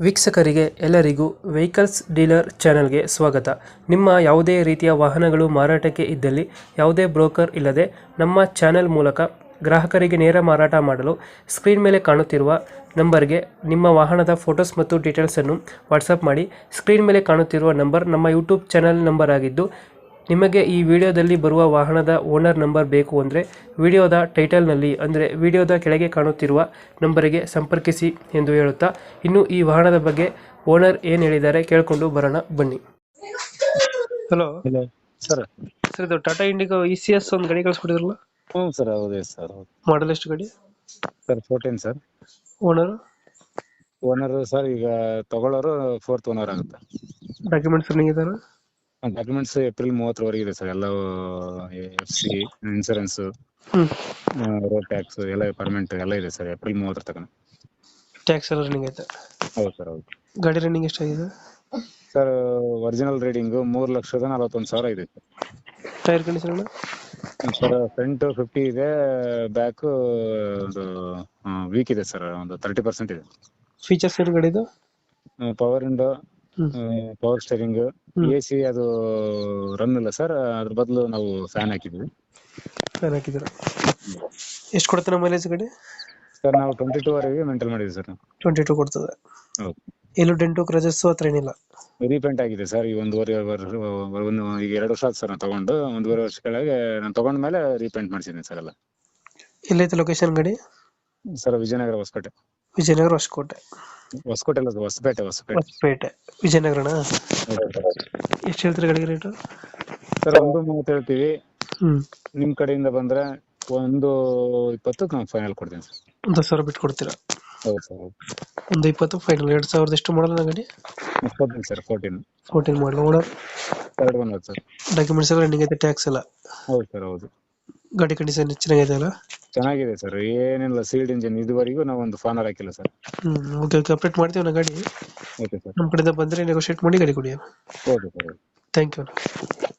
ವೀಕ್ಷಕರಿಗೆ ಎಲ್ಲರಿಗೂ vehicles dealer ಚಾನೆಲ್ಗೆ ಸ್ವಾಗತ. ನಿಮ್ಮ ಯಾವುದೇ ರೀತಿಯ ವಾಹನಗಳು ಮಾರಾಟಕ್ಕೆ ಇದ್ದಲ್ಲಿ ಯಾವುದೇ ಬ್ರೋಕರ್ ಇಲ್ಲದೆ ನಮ್ಮ ಚಾನೆಲ್ ಮೂಲಕ ಗ್ರಾಹಕರಿಗೆ ನೇರ ಮಾರಾಟ ಮಾಡಲು ಸ್ಕ್ರೀನ್ ಮೇಲೆ ಕಾಣುತ್ತಿರುವ ನಂಬರ್ಗೆ ನಿಮ್ಮ ವಾಹನದ ಫೋಟೋಸ್ ಮತ್ತು ಡೀಟೇಲ್ಸನ್ನು ವಾಟ್ಸಪ್ ಮಾಡಿ. ಸ್ಕ್ರೀನ್ ಮೇಲೆ ಕಾಣುತ್ತಿರುವ ನಂಬರ್ ನಮ್ಮ ಯೂಟ್ಯೂಬ್ ಚಾನೆಲ್ ನಂಬರ್ ಆಗಿದ್ದು, ನಿಮಗೆ ಈ ವಿಡಿಯೋದಲ್ಲಿ ಬರುವ ವಾಹನದ ಓನರ್ ನಂಬರ್ ಬೇಕು ಅಂದರೆ ವಿಡಿಯೋದ ಟೈಟಲ್ನಲ್ಲಿ ಅಂದರೆ ವಿಡಿಯೋದ ಕೆಳಗೆ ಕಾಣುತ್ತಿರುವ ನಂಬರಿಗೆ ಸಂಪರ್ಕಿಸಿ ಎಂದು ಹೇಳುತ್ತಾ, ಇನ್ನು ಈ ವಾಹನದ ಬಗ್ಗೆ ಓನರ್ ಏನು ಹೇಳಿದ್ದಾರೆ ಕೇಳಿಕೊಂಡು ಬರೋಣ ಬನ್ನಿ. Hello hello sir. ಸರ್, ಇದು ಟಾಟಾ ಇಂಡಿಗೋ ECS ಒಂದು ಗಾಡಿ ಕಳಿಸ್ಕೊಟ್ಟಿದ್ರಲ್ಲ, ಹ್ಞೂ ಸರ್, ಹೌದು ಸರ್. ಮಾಡಲ್ ಎಷ್ಟು ಗಾಡಿ? Sir 14 sir. Owner owner sir ಈಗ ತಗೊಳ್ಳೋರು 4th ಓನರ್ ಆಗುತ್ತೆ. ಡಾಕ್ಯುಮೆಂಟ್ಸ್ ರನ್ನಿಂಗ್ ಇದಾರೆ? ಡಾಕ್ಯುಮೆಂಟ್ಸ್ ಏಪ್ರಿಲ್ 30 ಇದೆ ಸರ್. ಎಲ್ಲ FC, ಇನ್ಸೂರೆನ್ಸ್, ರೋಡ್ ಟ್ಯಾಕ್ಸ್ ಎಲ್ಲ ಪರ್ಮನೆಂಟ್ ಎಲ್ಲ ಇದೆ ಸರ್. ಏಪ್ರಿಲ್ 30 ತನಕ ಟ್ಯಾಕ್ಸ್ ಎಲ್ಲ ರನ್ನಿಂಗ್ ಐತೆ? ಹೌದು ಸರ್, ಹೌದು. ಗಾಡಿ ರನ್ನಿಂಗ್ ಎಷ್ಟಾಗಿದೆ ಸರ್? ಒರಿಜಿನಲ್ ರೀಡಿಂಗ್ 3,41,000 ಇದೆ sir. Tyre condition sir front 50 ಇದೆ, ಬ್ಯಾಕ್ ಒಂದು ವೀಕ್ ಇದೆ ಸರ್, ಒಂದು 30% ಇದೆ. ಫೀಚರ್ಸ್ ಏನು ಗಾಡಿದು? Power window, power steering, AC ಅದು ರನ್ ಇಲ್ಲ ಸರ್. ಅದ್ರ ಬದಲು ನಾವು ಫ್ಯಾನ್ ಹಾಕಿದ್ವಿ. ಫ್ಯಾನ್ ಹಾಕಿದ್ದೀರ? ಎಷ್ಟು ಕೊಡ್ತಾನೆ ಮೈಲೇಜ್ ಗಾಡಿ? ಸರ್ ನಾವು 22 ವರೆಗೆ ಮೇಂಟೈನ್ ಮಾಡಿದ್ವಿ ಸರ್. 22 ಕೊಡ್ತದೆ? ಹೌದು. ಎಲ್ಲೂ ಡೆಂಟು ಕ್ರಜಸ್ ಹತ್ರ ಏನಿಲ್ಲ? ರೀಪೇಂಟ್ ಆಗಿದೆ ಸರ್. ಈ ಈಗ 2 ವರ್ಷ ಆಯ್ತು ಸರ್ ನಾನು ತಗೊಂಡು. 1.5 ವರ್ಷ ಕೆಳಗೆ ನಾನು ತಗೊಂಡ್ಮೇಲೆ ರೀಪೇಂಟ್ ಮಾಡಿಸಿದ್ದೀನಿ ಸರ್ ಎಲ್ಲ. ಎಲ್ಲೈತೆ ಲೊಕೇಶನ್ ಗಾಡಿ? ಸರ್ ವಿಜಯನಗರ, ಹೊಸಕೋಟೆ. ವಿಜಯನಗರ ಹೊಸಕೋಟೆ? ಹೊಸಕೋಟೆ ಅಲ್ಲ, ಹೊಸಪೇಟೆ. ಹೊಸಪೇಟೆ, ವಿಜಯನಗರನಾ? ಎಷ್ಟು ಹೇಳ್ತೀರಿ ಗಾಡಿಗೆ ರೇಟು? ಸರ್ 1.30 ಹೇಳ್ತೀವಿ. ನಿಮ್ ಕಡೆಯಿಂದ ಬಂದ್ರೆ 1.20 ನಾನು ಫೈನಲ್ ಕೊಡ್ತೀನಿ ಸರ್. 1,000 ಬಿಟ್ಟು ಕೊಡ್ತೀರಾ? ಹೌದು ಸರ್, ಹೌದು. 1.20 ಫೈನಲ್. 2,000 ಎಷ್ಟು ಮಾಡಲ್ಲ ಗಾಡಿ? 14 sir. 14 model. Owner? 3rd owner sir. Documents ಎಲ್ಲ ರನ್ನಿಂಗ್ ಐತೆ? ಟ್ಯಾಕ್ಸ್ ಎಲ್ಲ? ಹೌದು ಸರ್, ಹೌದು. ಗಾಡಿ ಕಂಡೀಷನ್ ಚೆನ್ನಾಗಿದೆ ಅಲ್ಲ? ಚೆನ್ನಾಗಿದೆ ಸರ್, ಏನಿಲ್ಲ. Sealed engine. ಇದುವರೆಗೂ ನಾವು ಒಂದು ಫಾನರ್ ಹಾಕಿಲ್ಲ ಸರ್. ಓಕೆ ಓಕೆ, ಅಪ್ಡೇಟ್ ಮಾಡ್ತೀವಿ ನಾ ಗಾಡಿ. Okay sir. ನಮ್ಮ ಕಡೆಯಿಂದ ಬಂದರೆ ನೆಗೋಷಿಯೇಟ್ ಮಾಡಿ ಗಾಡಿ ಕೊಡಿ. Okay sir. Thank you.